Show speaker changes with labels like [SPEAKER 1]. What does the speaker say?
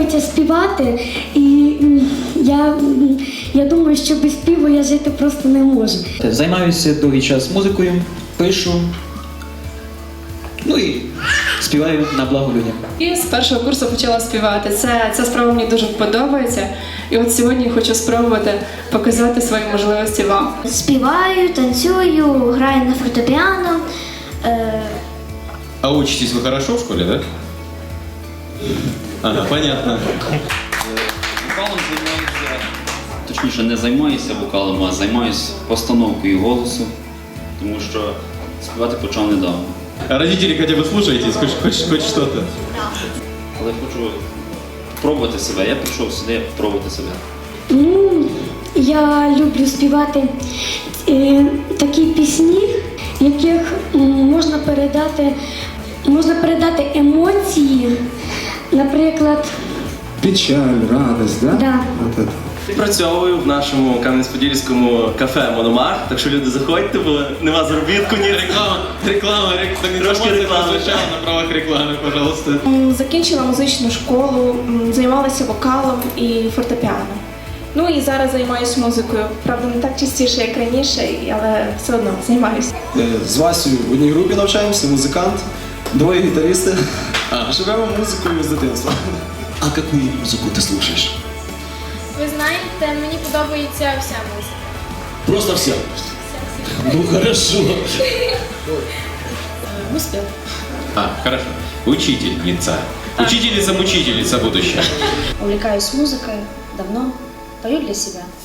[SPEAKER 1] подобається співати, і я думаю, що без співу я жити просто не можу.
[SPEAKER 2] Займаюся довгий час музикою, пишу, ну і співаю на благо людям.
[SPEAKER 3] І з першого курсу почала співати. Ця справа мені дуже подобається. І от сьогодні хочу спробувати показати свої можливості вам.
[SPEAKER 1] Співаю, танцюю, граю на фортепіано.
[SPEAKER 4] А учитесь вы хорошо в школе, да? Ага, понятно.
[SPEAKER 5] Вокалом займаюся, точніше не займаюся вокалом, а займаюся постановкою голосу, тому що співати почав недавно.
[SPEAKER 4] А родители хотя бы слушаетесь, хоть что-то?
[SPEAKER 5] Але хочу спробувати себе. Я прийшов сюди спробувати себе.
[SPEAKER 1] Ну, я люблю співати такі пісні, в яких можна передати емоції, наприклад.
[SPEAKER 6] Печаль, радость, да?
[SPEAKER 1] Да.
[SPEAKER 6] Вот это.
[SPEAKER 7] Працюю в нашому Кам'янець-Подільському кафе «Мономах», так що люди заходьте, бо нема заробітку, ні.
[SPEAKER 4] Реклама,
[SPEAKER 7] Трошки реклами.
[SPEAKER 4] на правах рекламы, пожалуйста.
[SPEAKER 8] Закінчила музичну школу, займалася вокалом і фортепіано. Ну і зараз займаюся музикою. Правда, не так частіше, як раніше, але все одно займаюся.
[SPEAKER 6] З Васею в одній групі навчаємося, музикант, двоє гітаристи. Живемо музикою з дитинства.
[SPEAKER 9] А яку музику ти слухаєш?
[SPEAKER 10] Ви знаєте, мені подобається вся музика.
[SPEAKER 9] Просто вся? Ну хорошо.
[SPEAKER 10] Успіх.
[SPEAKER 4] Хорошо. Учительница. Учительница-мучительница будущая.
[SPEAKER 10] Увлекаюсь музикою давно, пою для себя.